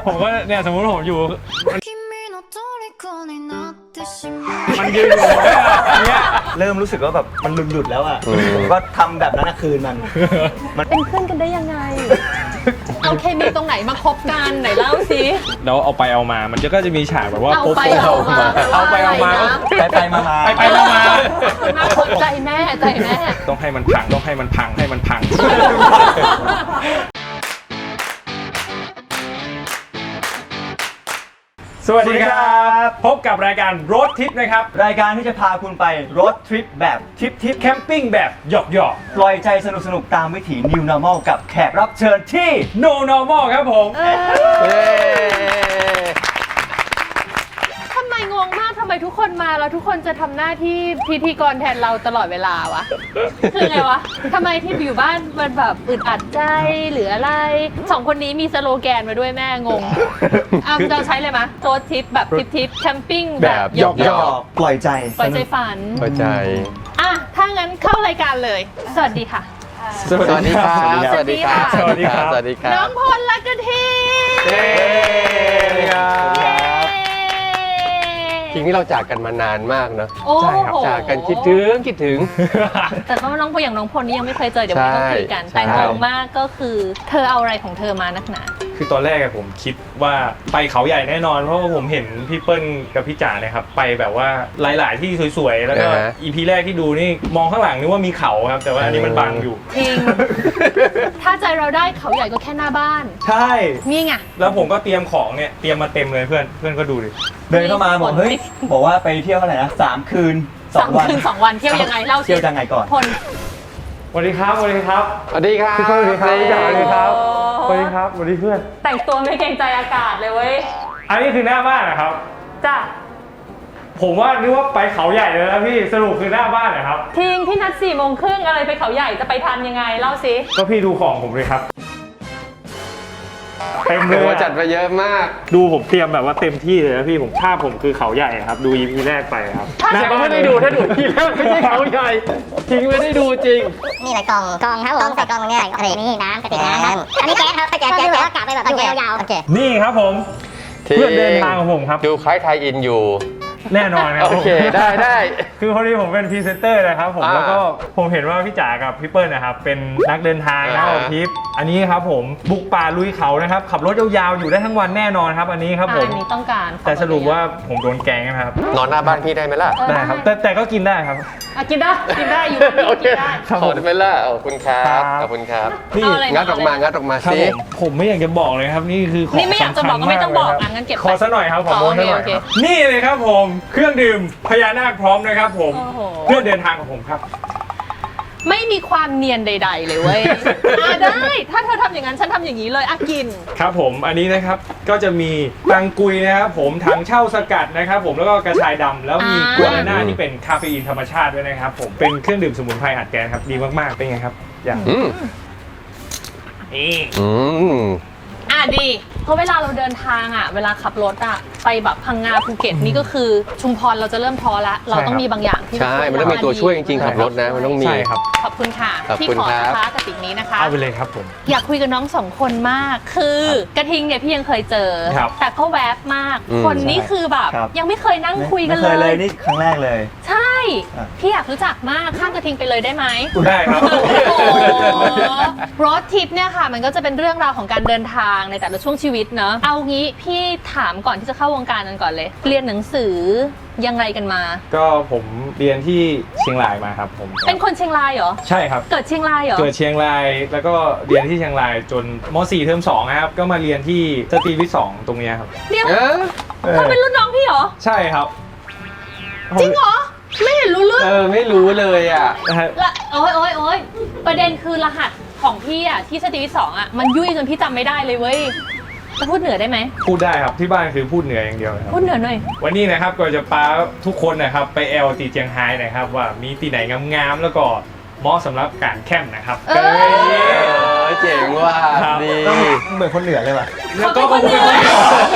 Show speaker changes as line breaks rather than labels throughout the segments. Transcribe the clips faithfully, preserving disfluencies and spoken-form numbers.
ผมก็เนี่ยสมมติผมอยู่มันยืนอยู่เนี่ย
เริ่มรู้สึกว่าแบบมันหลุดๆแล้วอ่ะผมก็ทำแบบนั้นคืนมัน
มันเป็นเพื่อนกันได้ยังไงเอาเคมีตรงไหนมาคบกันไหนเล่าสิ
แล้วเอาไปเอามามันจะก็จะมีฉากแบบว่า
เอาไปเอามา
เอาไปเอามา
ไปไปมามา
ไปไปมามา
ใจแม่ใจแม่
ต้องให้มันพังต้องให้มันพังให้มันพังสวัสดีครับพบกับรายการรถทิปนะครับ
รายการที่จะพาคุณไปรถทริปแบบทริปทิป
แคมปิ้งแบบหยอกหยอก
ปล่อยใจสนุกสนุกตามวิถี New Normal กับแขกรับเชิญที่
No Normal ครับผม
ทำไมงงมากทำไมทุกคนมาแล้วทุกคนจะทำหน้าที่พิธีกรแทนเราตลอดเวลาวะคือไงวะทำไมที่อยู่บ้านมันแบบอึดอัดใจหรืออะไรสองคนนี้มีสโลแกนมาด้วยแม่งงอ่ะเราใช้เลยมะโรดทริปแบบทริปทิปแคมปิ้งแบบหยอกหยอก
ปล่อยใจ
ปล่อยใจฝัน
ปล่อยใจ
อ่ะถ้างั้นเข้ารายการเลยสวัสดีค่ะ
สวัสดีครับ
สวัสดีครับ
สวัสดีครับ
สวัสดีครับ
น้องพลและกะทิ
เย้จริงที่เราจากกันมานานมากเนอะ
ใช่ครับ
จากกันคิดถึงคิดถึง
แต่ก็น้องพลอย่างน้องพลนี่ยังไม่เคยเจอเดี๋ยววันนี้ต้องคุยกันแต่งงมากก็คือเธอเอาอะไรของเธอมานักหนา
คือตอนแรกผมคิดว่าไปเขาใหญ่แน่นอนเพราะว่าผมเห็นพี่เปิ้ลกับพี่จ๋าเนี่ยครับไปแบบว่าหลายๆที่สวยๆแล้วก็อีพีแรกที่ดูนี่มองข้างหลังนึกว่ามีเขาครับแต่ว่าอันนี้มันบังอยู่
จริงถ้าใจเราได้เขาใหญ่ก็แค่หน้าบ้าน
ใช่
นี่ไง
แล้วผมก็เตรียมของเนี่ยเตรียมมาเต็มเลยเพื่อนเพื่อนก็ดูดิ
เดินเข้ามาบอกเฮ้ยบอกว่าไปเที่ยวเท่าไหร่นะสามคืน
สองวันคืนสองวันเที่ยวยังไงเล่าสิ
เที่ยวยังไงก่อน
คน
สวัสดีครับสวัสดีครับ
สวัสดีครับ
สวัสดีครับพี่จ๋าสวัสดีครับสวัสดีครับสวัสดีเพื่อน
แต่งตัวไม่เกรงใจอากาศเลยเว้ย
อันนี้คือหน้าบ้านนะครับ
จ้ะ
ผมว่านึกว่าไปเขาใหญ่เลยนะพี่สรุปคือหน้าบ้านเหรอครับ
ทิ้งพี่นัดสี่โมงครึ่งอะไรไปเขาใหญ่จะไปทันยังไงเล่าสิ
ก็พี่ดูของผมเลยครับเต็มเลย
จัดมาเยอะมาก
ดูผมเตรียมแบบว่าเต็มที่เลยนะพี่ผมภาพผมคือเขาใหญ่ครับดู อี พี แรกไปครับ
น่าก็ไม่ได้ดูถ้าดู อี พี แรกไม่ใช่เขาใหญ่ทิ้งไม่ได้ดูจริง
นี่แหละกล่องกล่องครับผมกล่องใส่กล่องตรงนี้อะไรนี่น้ำกระติกน้ำอันนี้แก๊สครับแก๊สแก๊สแก๊สกะไปแบบอยู่ยาว
ๆนี่ครับผมเพื่อนเดินทางของผมครับ
ดูคล้ายไทยอินอยู่
แน่นอนครับ
โอเคได้ได้
คือพอดีผมเป็นพรีเซนเตอร์นะครับผมแล้วก็ผมเห็นว่าพี่จ๋ากับพี่เปิ้ลนะครับเป็นนักเดินทางนะทริปอันนี้ครับผมบุกป่าลุยเขานะครับขับรถยาวๆอยู่ได้ทั้งวันแน่นอนครับอันนี้ครับผม
อันนี้ต้องการ
แต่สรุปว่าผมโดนแกงนะครับ
นอนหน้าบ้านพี่ได้ไหมล่ะ
ได้ครับแต่แต่ก็กินได้ครับ
กินได้กินได้อยู่กินได้
ขอได้ไหมล่ะขอบคุณครับขอบคุณครับนี่งัดออกมางัดออกมาสิ
ผมไม่อยากจะบอกเลยครับนี่คือของ
นี่ไม่อยากจะบอกก็ไม่ต้องบอกงั้นเก็บ
ขอซะหน่อยครับขอโม้ซะหน่อยนี่เลยครับผมเครื่องดื่มพญานาคพร้อมนะครับผมเพื่อเดินทางของผมครับ
ไม่มีความเนียนใดๆเลยเว้ยได้ถ้าเธอทำอย่างนั้นฉันทำอย่างนี้เลยอ่ะกิน
ครับผมอันนี้นะครับก็จะมีตังกุยนะครับผมถังเช่าสกัดนะครับผมแล้วก็กระชายดำแล้วมีกัวนาน่าที่เป็นคาเฟอีนธรรมชาติด้วยนะครับผมเป็นเครื่องดื่มสมุนไพรอัดแกนครับดีมากๆเป็นไงครับอย่าง
นี่อ่ะดีเพราะเวลาเราเดินทางอ่ะเวลาขับรถอ่ะไปแบบพังงาภูเก็ตนี่ก็คือชุมพรเราจะเริ่มท้อละเราต้องมีบางอย่างที่
ใช่มันต้องมีตัวช่วยจริงๆขับรถนะมันต้องมี
ใช่ครับ
ขอบคุณค่ะที่ขอนะคะกระติกนี้นะคะ
เอาไปเลยครับผม
อยากคุยกับน้องสองคนมากคือกระทิงเนี่ยพี่ยังเคยเจอแต่ก็แวบมากคนนี้คือแบบยังไม่เคยนั่งคุยกันเลย
ไม่เคยเลยนี่ครั้งแรกเลย
ใช่พี่อยากรู้จักมากข้ามกระทิงไปเลยได้ไหม
ได้ครับ
รถทริปเนี่ยค่ะมันก็จะเป็นเรื่องราวของการเดินทางในแต่ละช่วงชีวิตเนอะเอางี้พี่ถามก่อนที่จะเข้าวงการกันก่อนเลยเรียนหนังสือยังไงกันมา
ก็ผมเรียนที่เชียงรายมาครับผม
เป็นคนเชียงรายเหรอ
ใช่ครับ
เกิดเชียงรายเหรอ
เกิดเชียงรายแล้วก็เรียนที่เชียงรายจนม.สี่ เทอมสองครับก็มาเรียนที่สตรีวิทย์สองตรงนี้ครับ
เดี๋ยวเธอเป็นรุ่นน้องพี่เหรอ
ใช่ครับ
จริงเหรอไม่เห็นรู้เรื่อง
เออไม่รู้เลยอ่ะ
ละโอ้ยโอ้ยโอ้ยประเด็นคือรหัสของพี่อ่ะที่สตรีวิทย์สองอ่ะมันยุ่ยจนพี่จำไม่ได้เลยเว้ยจะพูดเหนือได้ไหม
พูดได้ครับที่บ้านคือพูดเหนืออย่างเดียวครับ
พูดเหนือหน่อย
วันนี้นะครับก็จะพาทุกคนนะครับไปแอลตีเจียงไฮ้นะครับว่ามีที่ไหนงามๆแล้วก็เหมาะสำหรับการแคมป์นะครับ
เออเจ๋งว่ะดี
เหมือนคนเหนือเลยว่ะ
แล้วก็คนเหนือ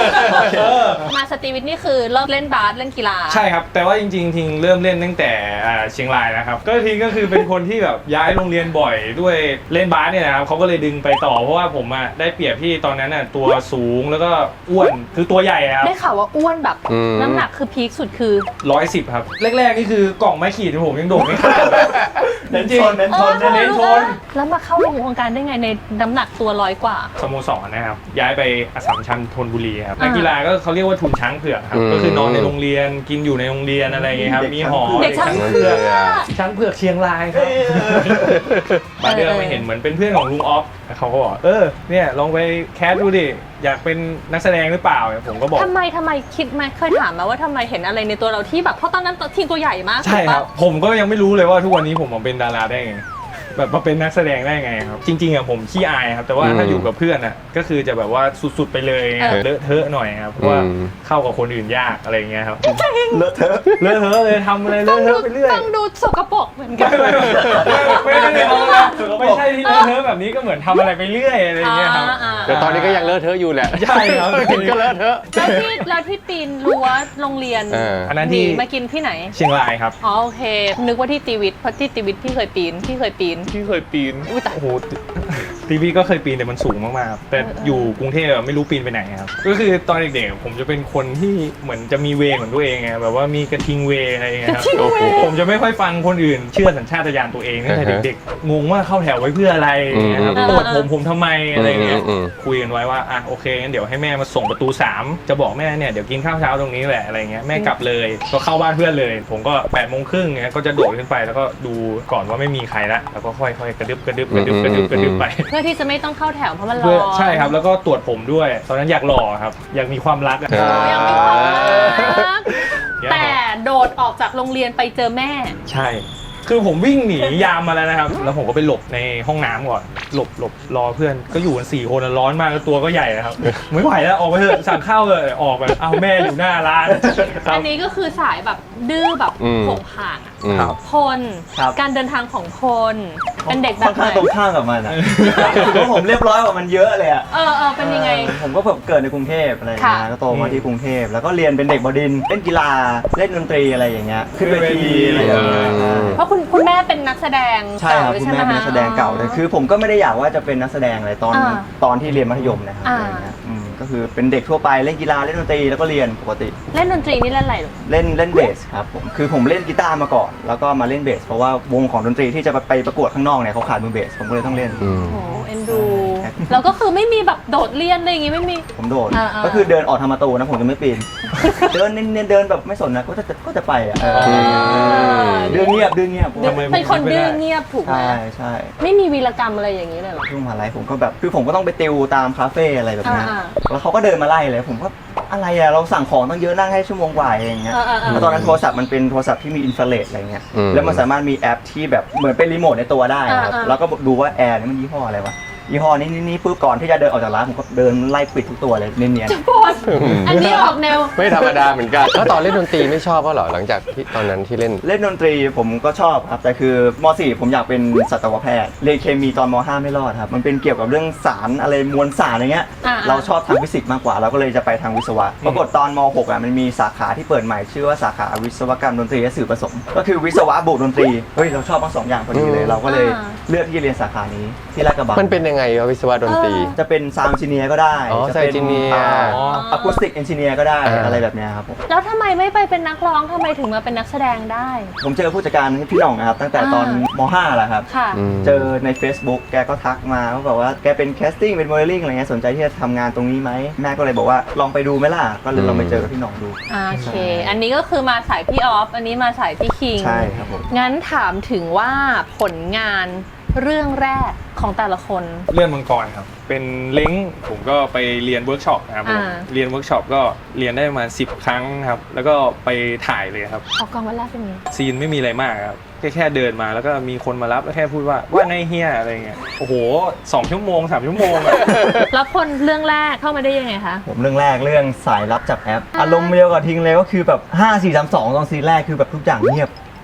เออ
มาสตรีวิทย์นี่คือเลิกเล่นบาสเล่นกีฬา
ใช่ครับแต่ว่าจริงๆทิงเริ่มเล่นตั้งแต่อ่าเชียงรายนะครับก็ทิงก็คือเป็นคนที่แบบย้ายโรงเรียนบ่อยด้วยเล่นบาสเนี่ยนะครับเขาก็เลยดึงไปต่อเพราะว่าผมอะได้เปรียบที่ตอนนั้นน่ะตัวสูงแล้วก็อ้วนคือตัวใหญ่ครับ
ได้ข่าวว่าอ้วนแบบ
อืม
น้ำหนักคือพีคสุดคือ
ร้อยสิบครับแรกๆนี่คือกล่องไม้ขีดผมยังโดดไม่ข้าม
เน้นชนเน้นชน
เออ
เน้นชน
แล้วมาเข้าในวงการได้ไงในน้ำหนักตัวร้อยกว่า
สโมสรนะครับย้ายไปอัสสัมชัญธนบุรีครับ
อ่านั
นักกีฬาก็เขาเรียกว่าทุนช้างเผือกครับ
อืม
ก็คือนอนในโรงเรียนกินอยู่ในโรงเรียนอะไรอย่างเงี้ยครับมีหอ
เด็กช้างเผือก
ช้างเผือกเชียงรายครับมาเดือนมาเห็นเหมือนเป็นเพื่อนของลุงออฟเขาก็บอกเออเนี่ยลองไปแคสดูดิอยากเป็นนักแสดงหรือเปล่าผมก็บอก
ทำไมทำไมคิดไหมเคยถามไหมาว่าทำไมเห็นอะไรในตัวเราที่แบบเพราะตอนนั้นทีมตัวใหญ่มาก
ใช่ครับ
ถูกปะ
ผมก็ยังไม่รู้เลยว่าทุกวันนี้ผมมาเป็นดาราได้ไงแบบมาเป็นนักแสดงได้ไงครับจริงๆอะผมขี้อายครับแต่ว่า
อืม
ถ้าอยู่กับเพื่อนอะก็คือจะแบบว่าสุดๆไปเลย
เออ
เลอะเทอะหน่อยครับเพราะว่า
อืม
เข้ากับคนอื่นยากอะไรอย่างเงี้ยครับ
เลอะเทอะ
เลอะเทอะเลยทำอะไรเล
ฟั
อะ
ง
เท
ดู
อะไปเรื่อย
ฟังดูสกปรกเหมือนกัน
ไม่ไม่ไม่ไม่ได้ทำอะไรไม่ใช่ที่เลอะเทอะแบบนี้ก็เหมือนทำอะไรไปเรื่อยอะไรอย่างเงี้ยครับ
อ่า
แต่ตอนนี้ก็ยังเลอะเทอะอยู่แหละ
ใช่ครับ
กินก็เลอะเทอะ
แล้วที่แล้วที่ปีนรั้วโรงเรียน
เออ
อันนั้น
หนี
ที่
มากินที่ไหน
เชียงรายครับ
อ๋อโอเค นึกว่าที่ตีวิทย์เพราะที่ตีวิทย์พี่เคยปีนพี่เคยปีน
ที่เคยปีน
อุ๊ยตาย
โอ้โหทีวีก็เคยปีนแต่มันสูงมากๆครับแต่อยู่กรุงเทพอะไม่รู้ปีนไปไหนครับก็คือตอนเด็กๆผมจะเป็นคนที่เหมือนจะมีเวของตัวเองไงแบบว่ามีกระทิงเวอะไรอย่างเงี้ยครับ
โอ้โห
ผมจะไม่ค่อยฟังคนอื่นเชื่อสัญชาตญาณตัวเองตั้งแต่
อ่าฮะ
เด็กๆงงว่าเข้าแถวไว้เพื่ออะไรอย่างเงี้ยครับ
อืม
ตรวจผมผมทำไมอะไรอย่างเงี้ย
อืมอืม
คุยกันไว้ว่าอ่ะโอเคงั้นเดี๋ยวให้แม่มาส่งประตูสามจะบอกแม่เนี่ยเดี๋ยวกินข้าวเช้าตรงนี้แหละอะไรเงี้ยแม่กลับเลยก็เข้าบ้านเพื่อนเลย ผมก็แปดโมงครึ่งเงี้ยก็จะโดดขึ้นไปแล้วก็ดูก่อนว่าไม่มีใครละแล้วก็ค่อยๆกระดึบกระดึบกระดึบกระดึบกระดึบไป
เพื่อที่จะไม่ต้องเข้าแถวเพราะมันร้
เพื่อ
อน
ใช่ครับแล้วก็ตรวจผมด้วย ตอนนั้นอยากหล่อครับ อยากมีความรักอะ
อ่า
ยังไม่พอนะ
อยากหล่อ
แต่โดดออกจากโรงเรียนไปเจอแม่
ใช่ คือผมวิ่งหนียามมาแล้วนะครับ แล้วผมก็ไปหลบในห้องน้ำก่อน หลบหลบรอเพื่อน ก็อยู่กันสี่คนอะร้อนมากแล้วตัวก็ใหญ่นะครับ ไม่ไหวแล้วออกไปเถอะสั่งข้าวเลยออกแบบเอาแม่อยู่หน้าร้านครั
อั
บ
นนี้ก็คือสายแบบดื้อแบบ
อืม
ผงผางอะ
อืม
ครับ
พล
ครับ
การเดินทางของพลเป็นเด็กแบ
ค่อบ น
ไห
ข้าง
น
ตรงข้ามกับมันอ่ะคือว่าผมเรียบร้อยกว่ามันเยอะเลยอ่ะ
เออเออเป็นยังไง
เออผมก็แบบเกิดในกรุงเทพอะไรอย่างเงี้ย
ค่ะ
ก็โตมาที่กรุงเทพแล้วก็เรียนเป็นเด็กบดินทร์เล่นกีฬาเล่นดนตรีอะไรอย่างเงี้ยขึ้นเวทีอะไรอย่างเงี้ย
อืม
เพราะคุณคุณแม่เป็นนักแสดง
ใช่ครับ
เก่า
คุณ
ใช่ไหม
แม่เป็นนักแสดงเก่าเลยคือผมก็ไม่ได้อยากว่าจะเป็นนักแสดงอะไรตอน
อ่า
ตอนที่เรียนมัธยมนะครับ
อ่า
อะไรอย่างเงี้ยอืมก็คือเป็นเด็กทั่วไปเล่นกีฬาเล่นดนตรีแล้วก็เรียนปกติ
เล่นดนตรีนี่เล่นอะไรลูก
เล่นเล่นเบสครับผมคือผมเล่นกีตาร์มาก่อน แล้วก็มาเล่นเบส เพราะว่าวงของดนตรีที่จะไปประกวดข้างนอกเนี่ยเขาขาดมือเบส ผมก็เลยต้องเล่น
อืม
โอ้โหเอ็นดูแล้วก็คือไม่มีแบบโดดเรียนอะไรอย่างงี้ไม่มี
ผมโดด
อ่าๆ
ก็คือเดินออกทางประตูนะผมจะไม่ปีน เดินเน้นๆเดินแบบไม่สนนะก็จะก็จะไปอ่ะเออ
อ
เดือนเงียบเดือนเงียบ
ทำไม
เป็นคน
ไม่ได้
ดื้อเงียบถูกไหม
ใช่ใช่
ไม่มีวีรกรรมอะไรอย่างนี้เลยเหรอ
ช่วงมหาลัยผมก็แบบคือผมก็ต้องไปติวตามคาเฟ่อะไรแบบเนี้ย
อ่า
แล้วเขาก็เดินมาไล่เลย ผมก็อะไรอะเราสั่งของต้องเยอะนั่งให้ชั่วโมงกว่าเองเงี้ย
เออเออเออ
แล้วตอนนั้นโทรศัพท์มันเป็นโทรศัพท์ที่มีอินฟราเรดอะไรเงี้ย
อืม
แล้วมันสามารถมีแอปที่แบบเหมือนเป็นรีโมทในตัวได้ครับ
อ่าๆ
แล้วก็ดูว่าแอร์นี่มันยี่ห้ออะไรวะยี่ห้อนี้นี่นี่ปุ๊บก่อนที่จะเดินออกจากร้านผมก็เดินไล่ปิดทุกตัวเลยเนียน
จะปวดอันนี้ออกแนว
ไม่ธรรมดาเหมือนกัน แล้วตอนเล่นดนตรีไม่ชอบก็เหรอหลังจากที่ตอนนั้นที่เล่น
ๆเล่นดนตรีผมก็ชอบครับแต่คือม .สี่ ผมอยากเป็นสัตวแพทย์เรียนเคมีตอนม .ห้า ไม่รอดครับมันเป็นเกี่ยวกับเรื่องสารอะไรมวลสารอะไรเงี้ย
อ่าๆ
เราชอบทางฟิสิกส์มากกว่าเราก็เลยจะไปทางวิศวะปรากฏตอนม .หก อ่ะมันมีสาขาที่เปิดใหม่ชื่อว่าสาขาวิศวกรรมดนตรีและสื่อผสม ก็คือวิศวะบวกดนตรีเฮ้ยเราชอบทั้งสองอย่างพอดีเลย
อืม
เราก็เลย
อ่า
เลือกที่จะเรียนสาขานี้ที่ลาดกระบัง
มันเป็นยังไงวะวิศวะดนตรี
จะเป็นซาวด์เอนจิเนียร์ก็ได้
อ๋อ
จะเป็น
sound engineer
อะคูสติกเอนจิเนียร์ก็ได้
อ่า
อะไรแบบเนี้ยครับผม
แล้วทำไมไม่ไปเป็นนักร้องทำไมถึงมาเป็นนักแสดงได้
ผมเจอผู้จัดการพี่หน่องนะครับตั้งแต่ตอน
อ่าม
.ห้า แหละครับ
ค่ะ
อืม
เจอใน Facebook แกก็ทักมาว่าแบบว่าแกเป็นแคสติ้งเป็นโมเดลลิ่งอะไรเงี้ยสนใจที่จะทำงานตรงนี้ไหมแม่ก็เลยบอกว่าลองไปดูไหมล่ะ ก็เลยลองไปเจอกับพี่หน่องดู
โอเค อันนี้ก็คือมาสายพี่ออฟ อันนี้มาสายพี่คิง
ใช่ครับผม
งั้นถามถึงว่าผลงานเรื่องแรกของแต่ละคน
เลื่อนมังกรครับ เป็นเล้งผมก็ไปเรียนเวิร์กช็อปนะครับผม
อ่า
เรียนเวิร์กช็อปก็เรียนได้ประมาณสิบครั้งครับ แล้วก็ไปถ่ายเลยครับ
ออกกองวันแรกเป็นไง
ซีนไม่มีอะไรมากครับแค่แค่เดินมาแล้วก็มีคนมารับแล้วแค่พูดว่าว่าไงเฮียอะไรเงี้ยโอ้โหสองชั่วโมงสามชั่วโมงอะ
แล้วคนเรื่องแรกเข้ามาได้ยังไงคะ
ผมเรื่องแรกเรื่องสายลับจากแอป อารมณ์เดียวกับทิ้งเลยก็คือแบบห้า สี่ สาม สองตอนซีนแรกคือแบบทุกอย่างเงียบ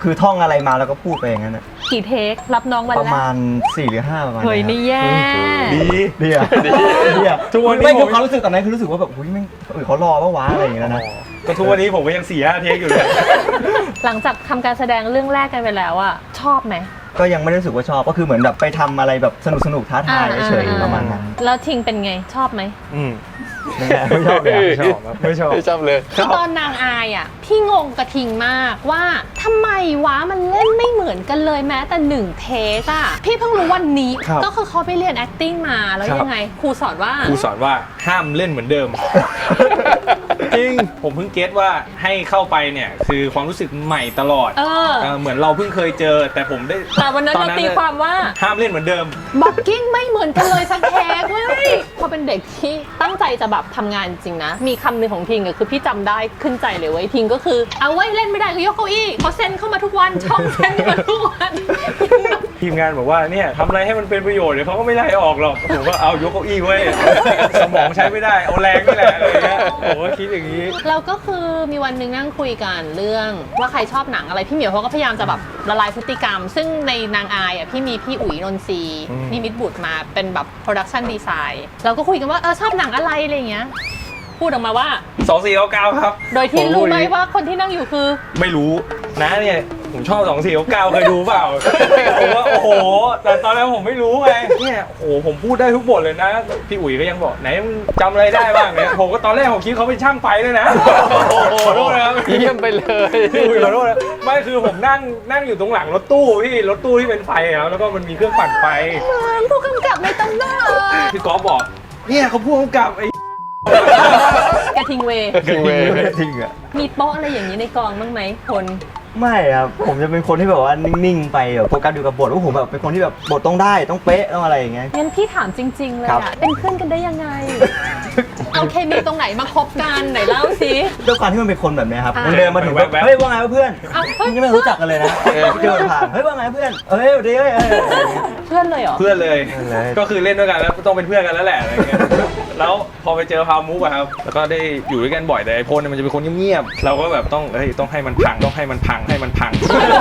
คือท่องอะไรมาแล้วก็พูดไปอย่างนั้นอะ
กี่เทครับน้องวัน
ประ
แร
มาก ณสี่หรือห้าประมาณ
เฮ้ยนี่แย่
ดี
ดีอะดีอะ
ทุกวันนี้
ไม่
ผ
คือ
ม
ความรู้สึกตอนนั้นคือรู้สึกว่าแบบอุ้ยแม่งเออเขารอปะวะอะไรอย่างเงี้ยนะ
ก็ทุกวันนี้ผมก็ยังสี่ห้าเทคอยู่เลย
หลังจากทำการแสดงเรื่องแรกกันไปแล้วอะชอบไหม
ก็ยังไม่ได้รู้สึกว่าชอบก็คือเหมือนแบบไปทำอะไรแบบสนุกสนุกๆท้าทายเฉยๆประมาณนั้น
แล้วทิงเป็นไงชอบไหม
อืม
นั่นแหละไม่ชอบเลยอะ
ไม่ชอบครับไม่ชอบ
ไม่ชอบเลย
คือตอนนางอายอ่ะพี่งงกระทิงมากว่าทำไมวะมันเล่นไม่เหมือนกันเลยแม้แต่หนึ่งเทคอ่ะพี่เพิ่งรู้วันนี้
ครับ
ก็คือเขาไปเรียน acting มาแล้ว
ครับ
ยังไงครูสอนว่า
ครูสอนว่าห้ามเล่นเหมือนเดิม จริงผมเพิ่งเก็ตว่าให้เข้าไปเนี่ยคือความรู้สึกใหม่ตลอด
เออ
เออเหมือนเราเพิ่งเคยเจอ แต่ผมได้
แต่วันนั้นเราตีความว่า
ห้ามเล่นเหมือนเดิม
บ็อกกิ้งไม่เหมือนกันเลยสักเทคเว้ยพอเป็นเด็กที่ตั้งใจจะแบบทำงานจริงนะ มีคำหนึ่งของทิงอะคือพี่จำได้ขึ้นใจเลยเว้ยทิงก็คือเอาไว้เล่นไม่ได้ก็ยกเก้าอี้เขาเซ็นเข้ามาทุกวันช่องเซ็นมาทุกวัน
ทีมงานบอกว่าเนี่ยทำอะไรให้มันเป็นประโยชน์เดี๋ยวเขาก็ไม่ไล่ออกหรอกผมก็เอายกเก้าอี้ไว้สมองใช้ไม่ได้เอาแรงนี่แหละอะไรเงี้ยผมก็คิดอย่างนี้
เราก็คือมีวันหนึ่งนั่งคุยกันเรื่องว่าใครชอบหนังอะไรพี่เหมียวเขาก็พยายามจะแบบละลายพฤติกรรม ซึ่งในนางอายอ่ะพี่มีพี่อุ๋ยนนทรีย์
อืม
นิมิตบุตรมาเป็นแบบโปรดักชันดีไซน์เราก็คุยกันว่าเออชอบหนังอะไรอะไรอย่างเงี้ยพูดออกมาว่า
สองสี่เก้าเก้าครับ
โดยที่
ผ
รู้ไหม
พูดอย่งนี้
ว่าคนที่นั่งอยู่คือ
ไม่รู้นะเนี่ยผมชอบสองสี่เก้าเก้าเคยดูเปล่า ผมว่าโอ้โห แต่ตอนนั้นผมไม่รู้ไงเนี่ยโอ้โหผมพูดได้ทุกบทเลยนะ พี่อุ๋ยก็ยังบอกไหนมึงจำอะไรได้บ้างเนี่ยผมก็ตอนแรกผมคิดเขาเป็นช่างไฟด้วยนะขอโทษนะครับ
เยี่ยมไปเลย
พี่อุ๋ยขอโทษนะไม่คือผมนั่งนั่งอยู่ตรงหลังรถตู้พี่รถตู้ที่เป็นไฟครับแล้วก็มันมีเครื่องปั่นไฟ
ผู้กำกับในตำนาน
พี่ก๊อฟบอกเนี่ยเขาพูดกับไอ้
กระทิงเวย์
จริงเว้ย
จริงอะ
มีโป๊ะอะไรอย่างนี้ในกองบ้างไหมคน
ไม่ครับผมจะเป็นคนที่แบบว่านิ่งๆไปแบบโฟกัสอยู่กับบทว่าผมแบบเป็นคนที่แบบบทต้องได้ต้องเป๊ะต้องอะไรอย่างเงี้ย
งั้นพี่ถามจริง ๆ เลย
ครับ
อะเป็นเพื่อนกันได้ยังไง เอาเคมีตรงไหนมาคบกันไหนเล่าสิ
ด้วยความที่มันเป็นคนแบบเนี้ยครับ
อ่า
มันเดินมาถึงแบบ
แว๊บๆ
เฮ้ยว่าไงวะเพื่อน
เอาเฮ้ย
ยังไม่รู้จักกันเลยนะเดินผ่านเฮ้ยว่าไงเพื่อนเฮ้ยเดี๋ยวเฮ้ยเฮ้ยเฮ้ย
เพื่อนเลยเหรอ
เพื่อนเลย
เพื่อนเลย
ก็คือเล่นด้วยกันแล้วต้องเป็นเพื่อนกันแล้วแหละอะไรเงี้ย แล้วพอไปเจอพาวมุกอะครับ แล้วก็ได้อยู่ด้วยกันบ่อยแต่ไอ้พลเนี่ยมันจะเป็นคนเงียบๆ เราก็แบบต้องเฮ้ยต้องให้มันพังต้องให้มันพังให้มันพัง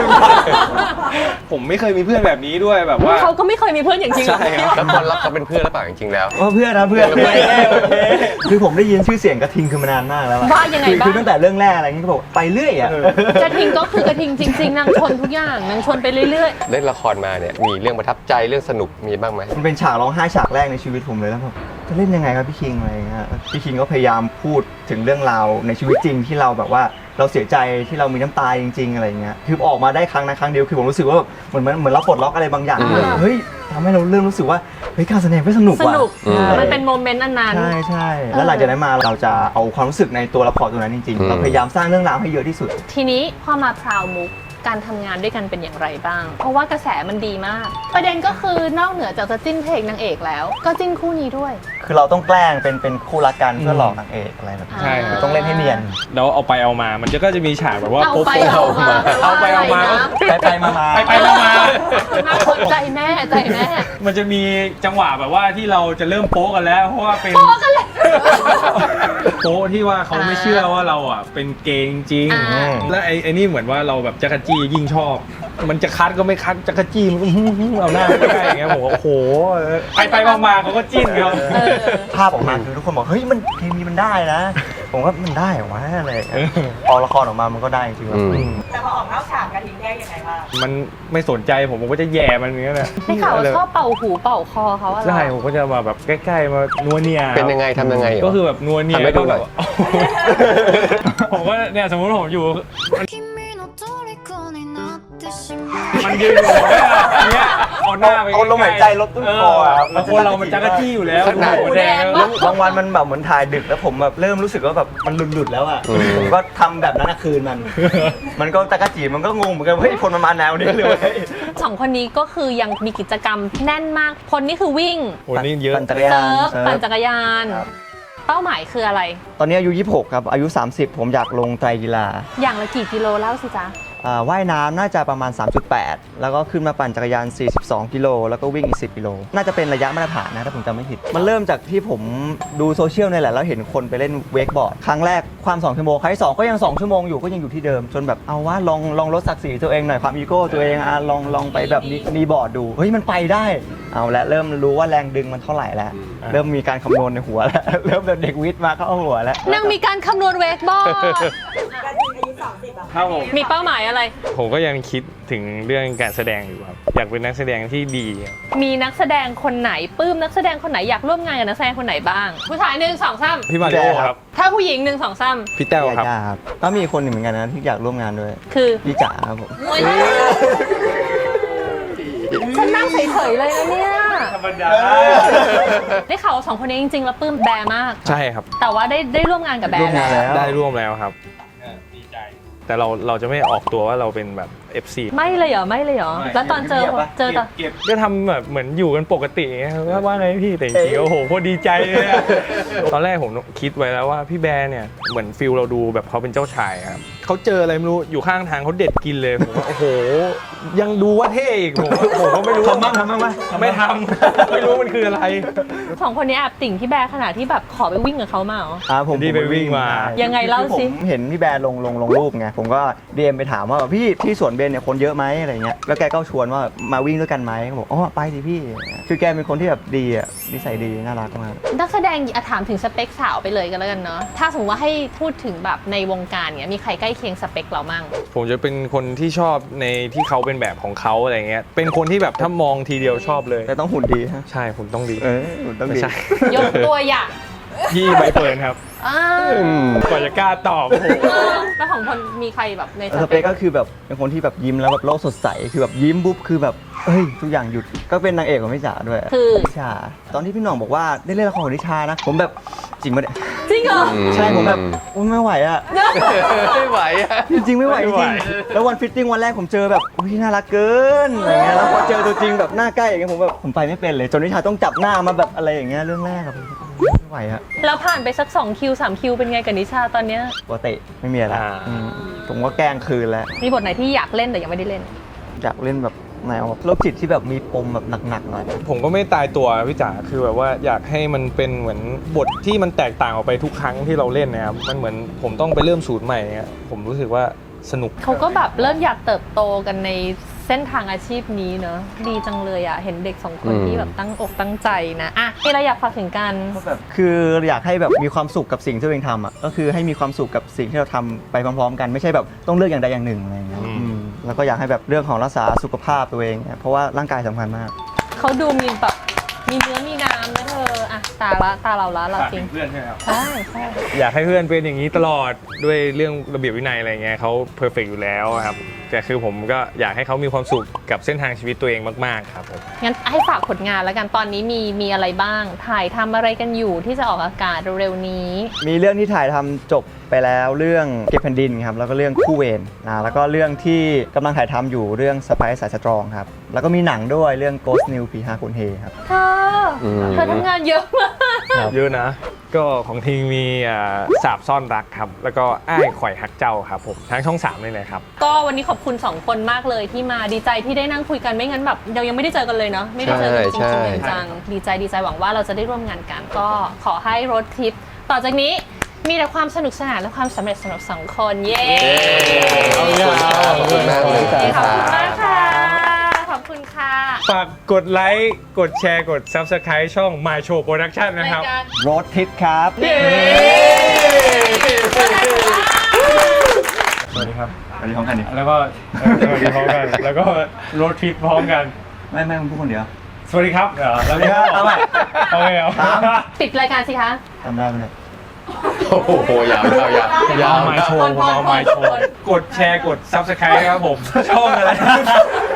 ผมไม่เคยมีเพื่อนแบบนี้ด้วยแบบว่า
เขาก็ไม่เคยมีเพื่อนอย่างจริงหรอ
ใช่ครับ
แล้วคนรับเขาเป็นเพื่อนหรือเปล่าจริงๆแล้ว
ว่าเพื่อนนะเพื่อน
เพื่อน
โอเคคือผมได้ยินชื่อเสียงกระทิงคือมานานมากแล้วอะ
ว่ายังไง
คือ
บ้า
คือง ตั้งแต่เรื่องแรกอะไรเงี้ยก็บอกไปเรื่อยอ่ะ
เออ
กระทิงก็คือกระทิงจริงๆนางชนทุกอย่างนางชนไปเรื่อย
เล่นละครมาเนี่ยมีเรื่องประทับใจเรื่องสนุกมีบ้างไหม
มันเป็นฉากร้องไห้ฉากแรกในชีวิตผมเลยแล้วแบบจะเล่นยังไงครับพี่คิงอะไรเงี้ยพี่คิงก็พยายามพูดถึงเรื่องราวในชีวิตจริงที่เราแบบว่าเราเสียใจที่เรามีน้ำตาจริง ๆอะไรเงี้ยคือออกมาได้ครั้งนะครั้งเดียวคือผมรู้สึกว่าแบบเหมือนมันเหมือนเราปลดล็อกอะไรบางอย่าง
อืม
เลยเฮ้ยทำให้เราเริ่มรู้สึกว่าเฮ้ยการแสดงก็สนุก
ๆ ส
ว่ะ
นุก
อืม
มันเป็นโมเมนต์อันนั้น
ใช่ใช่แล้วหลังจากนั้นมาเราจะเอาความรู้สึกในตัวละครตัวนั้นจริง
อื
ๆ
ม
เราพยายามสร้างเรื่องราวให้เยอะที่สุด
ทีนี้พอมาพราวมุกการทำงานด้วยกันเป็นอย่างไรบ้าง เพราะว่ากระแสมันดีมาก ประเด็นก็คือนอกเหนือจากจะจิ้นเพลงนางเอกแล้ว ก็จิ้นคู่นี้ด้วย
คือเราต้องแกล้งเป็นเป็นคู่รักกันเพื่อหลอกนางเอกอะไรแบบนี้
ใช่ครับ
ต้องเล่นให้เนียน
แล้วเอาไปเอามา มันจะก็จะมีฉากแบบว่า
เอา
โป๊ะ
ไป
ๆ
เอามา
เอาไปเอามาก็
ไปไปมามา
ไปไปมามา
น่าสนใจแม่ใจแม่
มันจะมีจังหวะแบบว่าที่เราจะเริ่มโป๊ะกันแล้ว เพราะว่าเป็น
โป๊ะกันแล้ว
โป๊ะที่ว่าเขาไม่เชื่อว่าเราอ่ะเป็นเกย์จริง
อ่า
แล้วไอ้ไอ้นี่เหมือนว่าเราแบบจักรจี้ยิ่งชอบ มันจะคัดก็ไม่คัดจักรจี้มันก็เอาหน้าไม่ได้อย่างเงี้ยผมว่าโอ้โหไปไปมามาเขาก็จิ้นกัน
เออ
ภาพออกมาคือทุกคนบอกเฮ้ยมันเคมีมันได้นะ ผมว่ามันได้เหรอวะอะไรอย่างเงี้ยพอละครออกมามันก็ได้จริงๆ
อืม
อืม
แต่พอออกนอกฉากกระทิงแยกยังไงบ้าง
มันไม่สนใจผมผมก็จะแย่มันอย่างเงี้ยแหละ
ได้ข่าวว่าชอบเป่าหูเป่าคอเขาอะไร
ใช่ผมก็จะมาแบบใกล้ๆมานัวเนีย
เป็นยังไงทำยังไงเหรอ
ก็คือแบบนัวเนีย
ทำให้ดูหน่อย
ก็แบบผมก็เนี่ยสมมติผมอยู่ มันยืนอยู่เนี่ยอย่างเงี้ยเอาหน้าไป
เอาลมหายใจลดต้นคออะครับ
แล้วคนเรามันจักรจี้อยู่แล้ว
ขนาด
หัวแดง
แล้วบางวันมันแบบเหมือนถ่ายดึกแล้วผมแบบเริ่มรู้สึกว่าแบบมันหลุดๆแล้วอ่ะ
อืม
ผมก็ทำแบบนั้นอะคืนมัน มันก็ตะกะจีมันก็งงเหมือนกันว่าเฮ้ยคนมันมาแนวนี้เลยเว้ย
สองคนนี้ก็คือยังมีกิจกรรมแน่นมากคนนี่คือวิ่ง
โอ้นี่เยอะ
ปั่นจักรยา
เซิ
น
ร์ฟ
เซิร์ฟ
ปั่นจักรยาน
ครับ
เป้าหมายคืออะไร
ตอนนี้อายุยี่สิบหกครับอายุสามสิบผมอยากลงไตรกีฬา
อย่างละกี่กิโลเล่าสิจ๊ะ
อ่าว่ายน้ำน่าจะประมาณ สามจุดแปด แล้วก็ขึ้นมาปั่นจักรยาน สี่สิบสอง กิโลแล้วก็วิ่งอีก สิบ กิโลน่าจะเป็นระยะมาตรฐานนะถ้าผมจำไม่ผิดมันเริ่มจากที่ผมดูโซเชียลนี่แหละแล้วเห็นคนไปเล่นเวกบอร์ดครั้งแรกความสองชั่วโมงครั้งที่สองก็ยังสองชั่วโมงอยู่ก็ยังอยู่ที่เดิมจนแบบเอาว่าลองลองลดศักดิ์ศรีตัวเองหน่อยความอีโก้ตัวเองอ่ะลองลองไปแบบนี้มีบอร์ดดูเฮ้ยมันไปได้เอาละเริ่มรู้ว่าแรงดึงมันเท่าไหร่แล้วเริ่มมีการคำนวณในหัวแล้วเริ่มแบบเด็กวิทย์มาเข้าหัวแล้ว
นางมีการคำนวณเวกบอร์ด
กระทิงอายุสามสิบอะ
ครับผม
มีเป้าหมายอะไร
ผมก็ยังคิดถึงเรื่องการแสดงอยู่ครับอยากเป็นนักแสดงที่ดีครับ
มีนักแสดงคนไหนปลื้มนักแสดงคนไหนอยากร่วมงานกับนักแสดงคนไหนบ้าง ผู้ชายหนึ่งสองสาม
พี่มาริโอครับ
ถ้าผู้หญิงหนึ่งสองสาม
พี่แต้วครับ
ยาครับก็มีคนหนึ่งเหมือนกันนะที่อยากร่วมงานด้วย
คือ
พี่จ๋าครับผม
ฉันนั่งเฉยๆเลยนะเนี่ย
ธรรมดา
ได้ข่าวว่าสองคนนี้จริงๆแล้วปลื้มแบร์มาก
ใช่ครับ
แต่ว่าได้ได้ร่วมงานกับแบ
ร่ว
ร์
มงานแล้ว
ได้ร่วมแล้วครับดีใจแต่เราเราจะไม่ออกตัวว่าเราเป็นแบบ เอฟ ซี
ไม่เลยเหรอไม่เลยเหรอแล้วตอนเจอเจอตอน
เก็บก็ทำแบบเหมือนอยู่กันปกติไงว่าว่าไงพี่แต่จริงๆโอ้โหโคตรดีใจเลยอะตอนแรกผมคิดไว้แล้วว่าพี่แบร์เนี่ยเหมือนฟิลเราดูแบบเขาเป็นเจ้าชายครับเขาเจออะไรไม่รู้อยู่ข้างทางเขาเด็ดกินเลยผมว่าโอ้โหยังดูว่าเท่อีกผมผมก็ไม่รู้
ทำบ้างทำบ้างไหม
ไม่ทำไม่รู้มันคืออะไร
สองคนนี้แอบติ่งพี่แบร์ขนาดที่แบบขอไปวิ่งกับเขามาเหรอ
อ่าผม
ที่ไปวิ่งมา
ยังไงเล่าสิ
ผมเห็นพี่แบร์ลงลงลงรูปไงผมก็ดี เอ็ม ไปถามว่าพี่ที่สวนเบนเนี่ยคนเยอะไหมอะไรเงี้ยแล้วแกก็ชวนว่ามาวิ่งด้วยกันไหมเขาบอกอ๋อไปสิพี่คือแกเป็นคนที่แบบดีอ่ะนิสัยดีน่ารักมาก
นักแสดงอ่ะถามถึงสเปคสาวไปเลยกันแล้วกันเนาะถ้าสมมติว่าให้พูดถึงแบบในวงการเนี้ยมีใครใกล้เคียงสเปคเรามั่ง
ผมจะเป็นคนที่ชอบในที่เขาเป็นแบบของเขาอะไรเงี้ยเป็นคนที่แบบถ้ามองทีเดียวชอบเลย
แต่ต้องหุ่นดีฮะ
ใช่ผมต้องดี
เออหุ่นต้อง
ไม่
ดี
ใช่
ยกตัวอย่าง
พี่ใบเฟิร์นครับ
อ่า
กว่าจะกล้าตอบโอ้โห
แล้วของคนมีใครแบบในส
ส
เป
เป
ค
คก็คือแบบเป็นคนที่แบบยิ้มแล้วแบบโลกสดใสคือแบบยิ้มปุ๊บคือแบบเอ้ยทุกอย่างหยุดก็เป็นนางเอกของพี่จ๋าด้วย
คือ
นิชาตอนที่พี่หน่องบอกว่าได้เล่นละครของนิชานะผมแบบจริงปะเนี่ย
จริงเหรอ
ใช่ผมแบบอุ๊ยไม่ไหวอ่ะ
ไม่ไหวอะ
จริงๆไม่ไหวจ
ไม่ไหว
ริงๆแล้ววันฟิตติ้งวันแรกผมเจอแบบอุ้ยน่ารักเกินอะไรเงี้ยแล้วพอเจอตัวจริงแบบหน้าใกล้อย่างเงี้ยผมแบบผมไปไม่เป็นเลยจนนิชาต้องจับหน้ามาแบบอะไรอย่างเงี้ยเรื่องแรกอะผมไม่ไหวอะ
แล้วผ่านไปสักสองคิวสามคิวเป็นไงกับนิชาตอนเนี้ย
ปกติไม่มีอะไร
อ่า
อืมผมก็แกล้งคืนแล้ว
มีบทไหนที่อยากเล่นแต่ยังไม่ได้เล่น
อยากเล่นแบบแนวโรคจิตที่แบบมีปมแบบหนักๆหน่อย
ผมก็ไม่ตายตัวพี่จ๋าคือแบบว่าอยากให้มันเป็นเหมือนบทที่มันแตกต่างออกไปทุกครั้งที่เราเล่นนะครับมันเหมือนผมต้องไปเริ่มศูนย์ใหม่เงี้ยผมรู้สึกว่าสนุก
เขาก็แบบเริ่มอยากเติบโตกันในเส้นทางอาชีพนี้เนอะดีจังเลยอ่ะเห็นเด็กสองคน
อืม
ที่แบบตั้งอกตั้งใจนะอ่ะมีอะไรอยากฝากถึงกัน
ก็แบบคืออยากให้แบบมีความสุขกับสิ่งที่ตัวเองทำอ่ะก็คือให้มีความสุขกับสิ่งที่เราทำไปพร้อมๆกันไม่ใช่แบบต้องเลือกอย่างใดอย่างหนึ่งอะไรอย่างเงี้ย
อืม
อืมแล้วก็อยากให้แบบเรื่องของรักษาสุขภาพตัวเองเนี่ยเพราะว่าร่างกายสำคัญมาก
เขาดูมีแบบมีเนื้อมีน้ำนะเธออ่ะตาละตาเราละเราจริง
เพื่อนใช่ไหมครับ
ใช่ใช่
อยากให้เพื่อนเป็นอย่างนี้ตลอดด้วยเรื่องระเบียบวินัยอะไรเงี้ยเขาเพอร์เฟกอยู่แล้วครับแต่คือผมก็อยากให้เขามีความสุขกับเส้นทางชีวิตตัวเองมากๆครับผม
งั้นให้ฝากผลงานแล้วกันตอนนี้มีมีอะไรบ้าง ถ่ายทำอะไรกันอยู่ที่จะออกอากาศเร็วๆนี้
มีเรื่องที่ถ่ายทำจบไปแล้วเรื่องเก็บแผ่นดินครับแล้วก็เรื่องคู่เวรนะแล้วก็เรื่องที่กำลังถ่ายทำอยู่เรื่องสไปซ์สายสตรองครับแล้วก็มีหนังด้วยเรื่อง Ghost New ผีห้าคนเฮครับ
เธออ
ม
เธอทำงานเยอะมาก
เยอะนะ ก็ของทีมมีอ่าสาบซ่อนรักครับ แล้วก็อ้ายข่อยหักเจ้าครับผมทั้งช่องสามเลยนะครับ
ก็วันนี้ขอบคุณสองคนมากเลยที่มาดีใจที่ได้นั่งคุยกันไม่งั้นแบบเรายังไม่ได้เจอกันเลยเนาะไม่ได้เจอกันจริง
ใช่
ๆจังๆดีใจดีใจหวังว่าเราจะได้ร่วมงานกัน ก็ขอให้รถทริปต่อจากนี้มีแต่ความสนุกสนานและความสำเร็จสำหรับสองคนเย้
ขอบคุณมากเลย
ขอบคุณ
ครั
มาก
บ
ค่ะขอบคุณค่ะ
ฝากกดไลค์กดแชร์กด Subscribe ช่อง My Show Production นะครับ
รายการ
รถทิปครับ
เย้ สวัสดีครับ
สวัสดีพร้อมกันดิ
แล้วก็เอ่อสวัสดีพร้อมกัน แล้วก็รถทริปพร้อมกัน
ไม่ไม่มึงพูดคนเดียว
สวัสดีครับเหรอแล้วก็
เอาใหม่
เอาไงเอา
สาม
ปิดรายการสิคะ
จำได้ไหมเนี่ย
โอ้โหยาวยาวยาวยาว
เอาไมโชว์ผมเอาไมโชว์กดแชร์กด Subscribe ครับผม ช่องอะไร